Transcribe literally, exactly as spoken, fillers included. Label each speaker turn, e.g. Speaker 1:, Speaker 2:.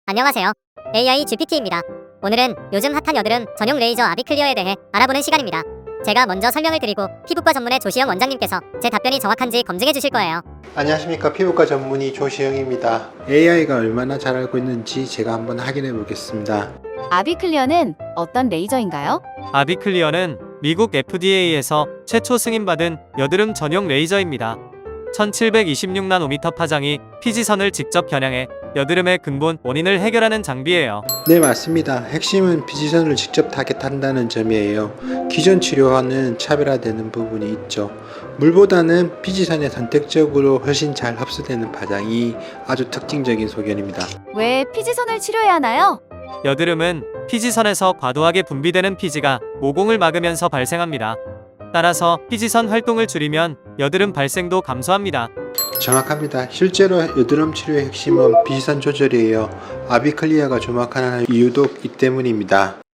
Speaker 1: 안녕하세요. 에이아이 지피티입니다. 오늘은 요즘 핫한 여드름 전용 레이저 아비클리어에 대해 알아보는 시간입니다. 제가 먼저 설명을 드리고 피부과 전문의 조시영 원장님께서 제 답변이 정확한지 검증해 주실 거예요.
Speaker 2: 안녕하십니까, 피부과 전문의 조시영입니다. 에이아이가 얼마나 잘 알고 있는지 제가 한번 확인해 보겠습니다.
Speaker 3: 아비클리어는 어떤 레이저인가요?
Speaker 4: 아비클리어는 미국 에프디에이에서 최초 승인받은 여드름 전용 레이저입니다. 천칠백이십육 나노미터 파장이 피지선을 직접 겨냥해 여드름의 근본 원인을 해결하는 장비예요.
Speaker 2: 네, 맞습니다. 핵심은 피지선을 직접 타겟한다는 점이에요. 기존 치료와는 차별화되는 부분이 있죠. 물보다는 피지선에 선택적으로 훨씬 잘 흡수되는 파장이 아주 특징적인 소견입니다.
Speaker 3: 왜 피지선을 치료해야 하나요?
Speaker 4: 여드름은 피지선에서 과도하게 분비되는 피지가 모공을 막으면서 발생합니다. 따라서 피지선 활동을 줄이면 여드름 발생도 감소합니다.
Speaker 2: 정확합니다. 실제로 여드름 치료의 핵심은 피지선 조절이에요. 아비클리어가 주목하는 이유도 이 때문입니다.